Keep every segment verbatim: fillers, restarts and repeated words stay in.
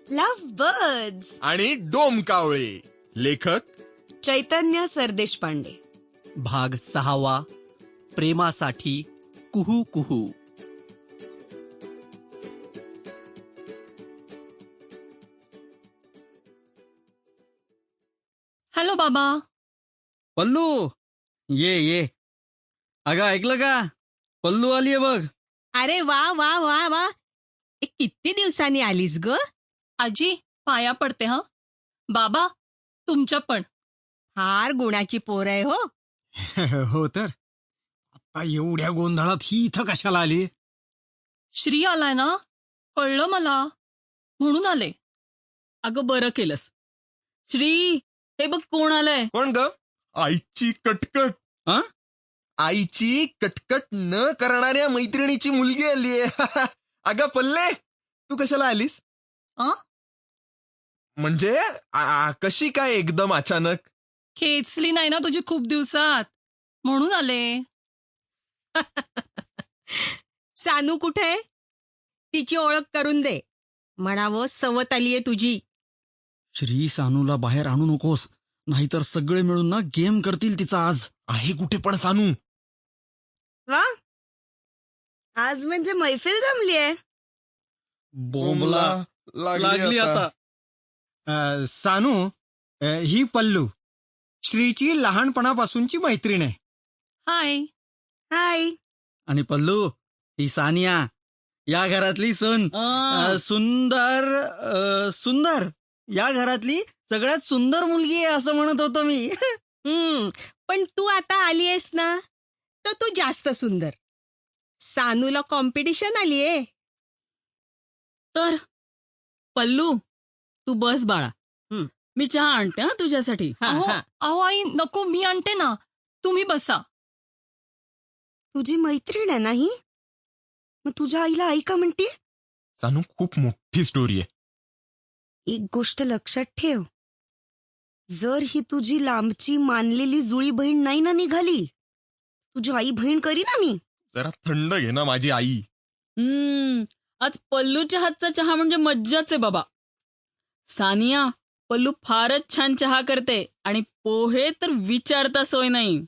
Love birds आणि डोमकावळे. लेखक चैतन्य सरदेशपांडे. भाग सहावा. प्रेमासाठी कुहू कुहू. हॅलो बाबा. पल्लू ये ये. अगं ऐकलं का, पल्लू आलीये बघ. अरे वा वा वा वा, किती दिवसांनी आलीस ग. आजी पाया पडते हा. बाबा तुमच्या पण. फार गुणाची पोर आहे हो. हो तर आता एवढ्या गोंधळात ही इथं कशाला आली? श्री आलाय ना, कळलं मला, म्हणून आले. अगं बरं केलंस. श्री, हे बघ कोण आलंय. कोण ग? आईची कटकट. हा? आईची कटकट न करणाऱ्या मैत्रिणीची मुलगी आलीये. अगं पल्ले, तू कशाला आलीस? आ? म्हणजे आ, कशी काय एकदम अचानक? खेचली नाही ना तुझी खूप दिवसात, म्हणून आले. सानू कुठे? तिची ओळख करून दे. म्हणावं सवत आलीये तुझी. श्री, सानूला बाहेर आणू नकोस, नाहीतर सगळे मिळून ना गेम करतील तिचा आज. आहे कुठे पण सानू? वा, आज म्हणजे मैफिल जमली आहे. बोंबला लागली आता. अ, सानू, अ, ही पल्लू श्रीची लहानपणापासूनची मैत्रीण आहे. हाय. हाय. आणि पल्लू, ही सानिया, या घरातली सून. आ, अ, सुंदर अ, सुंदर या घरातली सगळ्यात सुंदर मुलगी आहे असं म्हणत होतो मी. हम्म, पण तू आता आली आहेस ना, तर तू जास्त सुंदर. सानूला कॉम्पिटिशन आलीये. तर पल्लू तू बस बाळा. हं. मी चहा आणते हा तुझ्यासाठी. हा, अहो हा. अहो, आई नको, मी आणते ना, तुम्ही बसा. तुझी मैत्रीण आहे नाही, मग तुझ्या आईला आई का म्हणते? सानू, खूप मोठी स्टोरी आहे. एक गोष्ट लक्षात ठेव, जर ही तुझी लांबची मानलेली जुळी बहीण नाही ना निघाली, तुझी आई बहीण करी ना मी. जरा थंड घे ना माझी आई. हम्म आज पल्लूच्या हातचा चहा म्हणजे मज्जाच आहे बाबा. सानिया, पल्लू फारच छान चहा करते आणि पोहे तर विचारता सोय नाही.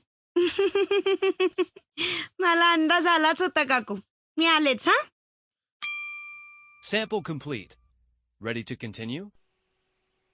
मला अंदाज आलाच होता काकू. मी आलेच हा. Sample complete. Ready to continue?